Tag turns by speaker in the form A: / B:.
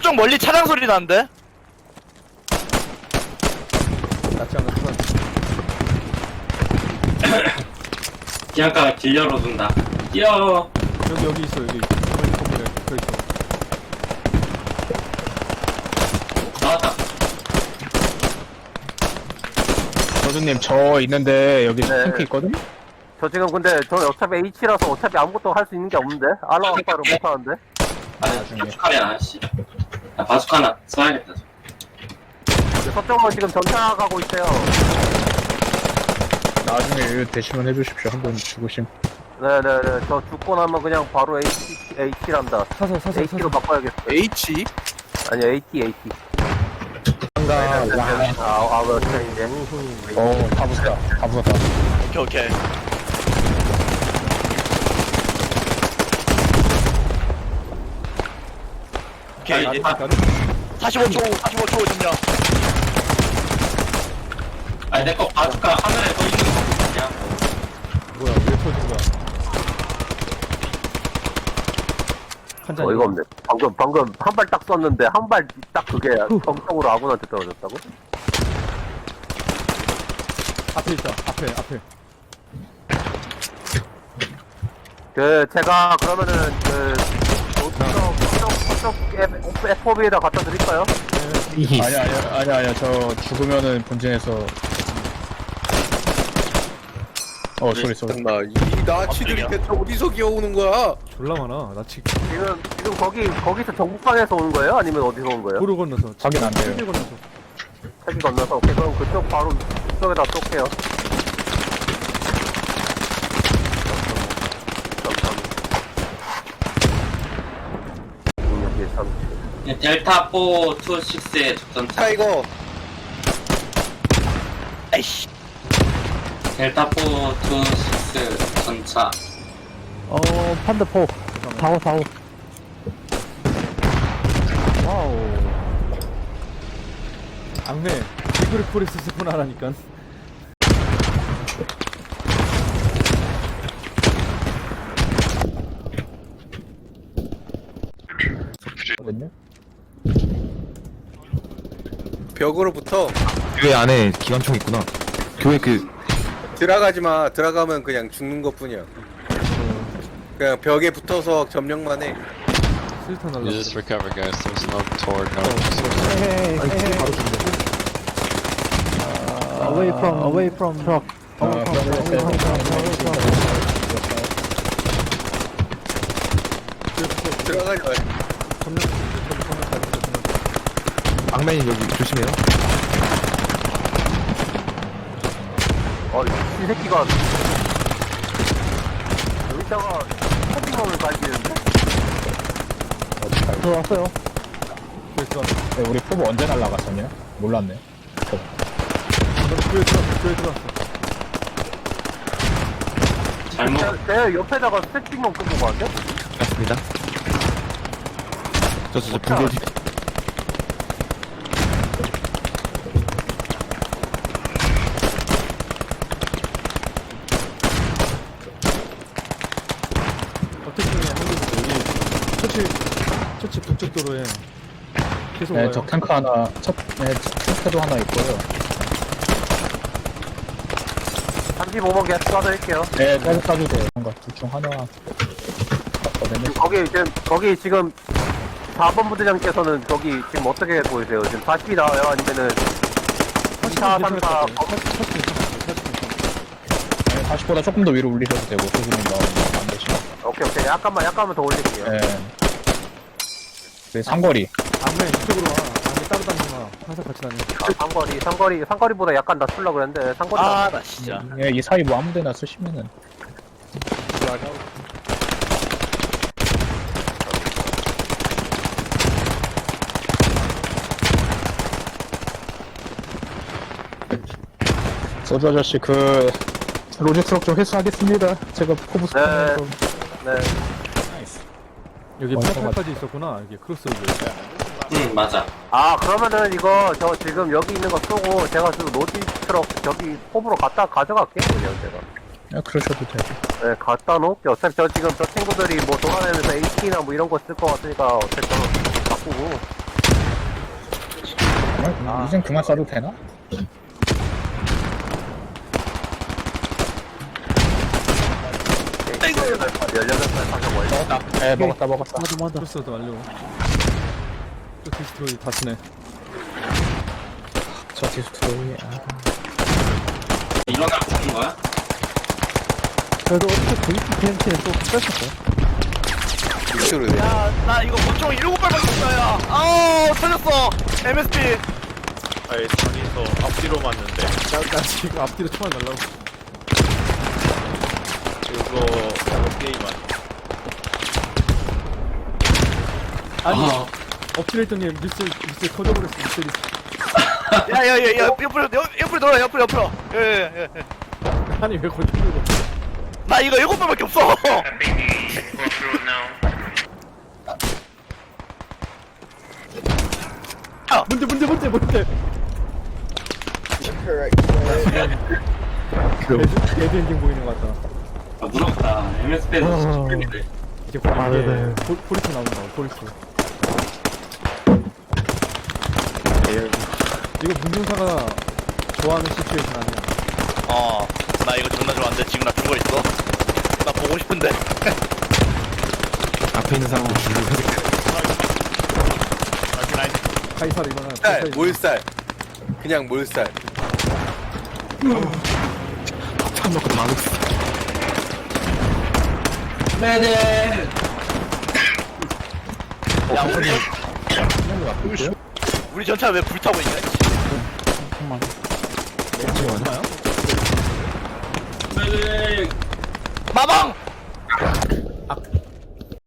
A: 저쪽 멀리 차량 소리 나는데?
B: 낫지 않아 수반.
C: 기안가가 길 열어둔다. 뛰어.
B: 여기 있어 여기. 그 있어.
C: 나왔다.
D: 저주님 저 있는데 여기
E: 네.
D: 탱크 있거든?
E: 저 지금 근데 저 어차피 H라서 어차피 아무것도 할 수 있는 게 없는데 알라 아빠를 못 하는데.
C: 아니, 바스카면 아씨. 야, 바스카 하나 써야겠다.
E: 서쪽은 지금 전차 가고 있어요.
D: 나중에 이거 대시만 해주십시오. 한번 죽으심.
E: 네네네. 저 죽고 나면 그냥 바로 H란다.
B: 사서
E: H로 바꿔야겠어.
A: H?
E: 아니 AT.
D: 한가
E: 아왜 이제.
D: 다 부쉈다.
A: 오케이. 오케이, 이제 45초 점령.
C: 아니, 내 거 바스카 하늘에 떠 있는 거 그냥.
B: 뭐야 왜 터진 거야? 한 잔.
E: 어이가 없네. 방금 한 발 딱 쐈는데 한 발 딱 그게 정성으로 아군한테 떨어졌다고?
B: 앞에 있다. 앞에.
E: 그 제가 그러면은 그 저쪽 FOB에다 갖다 드릴까요?
D: 아니야. 저 죽으면은 본진에서. 소리.
F: 잠깐만 이 나치들이 대체 어디서 기어오는 거야?
B: 졸라 많아. 나 지금
E: 지금 거기서 정북방에서 오는 거예요? 아니면 어디서 온 거예요?
B: 도로 건너서.
D: 확인 안 돼요.
B: 길 건너서.
E: 책이 건너서 오케이 그럼 그쪽 바로 그쪽에다 쏠게요.
C: 델타 426의 접전차.
F: 타이거
A: 아이씨.
C: 델타 426 전차.
D: 판드포. 사고.
B: 와우. 악매. 이그리 포레스 스폰 하라니까.
D: 거든요.
F: 벽으로부터
G: 교회 안에 기관총 있구나. 교회
F: 들어가지 마. 들어가면 그냥 죽는 것뿐이야. 그냥 벽에 붙어서 점령만 해.
B: 실탄 날라.
H: You just recover, guys. There's no toward no.
D: Away from truck.
F: 들어가지 마.
G: 악맨이 여기 조심해요.
E: 이 새끼가 여기다가 커팅홈을 갈기는데?
D: 들어왔어요.
B: 그랬어.
D: 우리 포부 언제 날라갔었냐? 몰랐네.
B: 교회 들어왔어.
C: 잘못.
E: 내 옆에다가 스택팅만 끄고 가는데?
G: 맞습니다. 저 붕대 뒤.
B: 어떻게 보면 여기 처치 북쪽 도로에 계속 와요.
D: 적 탱크 하나, 탱크도 하나 있고요.
E: 35번 계속 쏴드릴게요.
D: 네, 계속 쏴도 돼요. 뭔가 둘중 하나.
E: 거기 지금 4번 부대장께서는 거기 지금 어떻게 보이세요? 지금 40이 나와요? 아니면은 2차, 3차
D: 40보다 조금 더 위로 올리셔도 되고, 소주님 나오면 안 되시면.
E: 오케이 약간만 더 올릴게요.
D: 네. 그 상거리.
B: 앞에 이쪽으로 와. 앞에 따로 다니지 마. 항상 같이 다녀.
E: 상거리보다 약간 낮추려고 그랬는데 상거리
A: 아, 나 진짜.
D: 예, 이 사이 뭐 아무 데나 쓰시면은. 소주 아저씨, 로지 트럭 좀 회수하겠습니다. 제가 포브스
E: 네.
D: 타면서.
E: 네.
B: 여기
D: 완성하다.
B: 파파까지 있었구나. 여기 크로스오브.
C: 응, 맞아.
E: 아 그러면은 이거 저 지금 여기 있는 거 쏘고 제가 지금 로지 트럭 저기 홈으로 가져갈게요 그냥 제가.
D: 야, 그러셔도 되고.
E: 네 갖다 놓을게요. 어차피 지금 저 친구들이 뭐 돌아다니면서 AT나 뭐 이런 거 쓸 것 같으니까 어쨌든 바꾸고.
D: 이젠 그만 써도 되나?
E: 18살 사격 완료.
D: 네, 먹었다.
B: 맞아. 플러스도 완료. 또 디스트로이 다 치네.
D: 저 디스트로이.
C: 일어나고 싶은 거야?
B: 그래도 어떻게 VPNT는 또 뺐었어.
F: 육수로 돼.
A: 야나 이거 권총 7발밖에 없다 야. 아우 터졌어. MSP.
I: 아예 장에서 앞뒤로 맞는데
B: 나 지금 앞뒤로 총알 날라고.
I: 그거 게임 아니야.
B: 아니, 엎드려 있더니 미스 터져버렸어, 미스리.
A: 야야야야 옆으로 돌아 옆으로. 예.
B: 아니, 왜 거기 들고.
A: 나 이거 7발밖에 없어.
B: 뭔데? 레드 엔딩 보이는 것 같다.
C: 아, 무섭다. MSP에서 10분인데.
B: 이제 포리스 나온다, 포리스. 이거 문중사가 좋아하는 시츄에이션 아니야.
A: 나 이거 존나 좋아하는데 지금 나 죽어있어. 나 보고 싶은데.
G: 앞에 있는 사람도 죽이고.
B: 카이사르 이거는.
F: 쌀, 몰살. 그냥 몰살.
G: 참 놓고 다 놓고.
C: 네네.
A: 야 우리 전차 왜 불타고 있냐?
C: 네네.
A: 마방.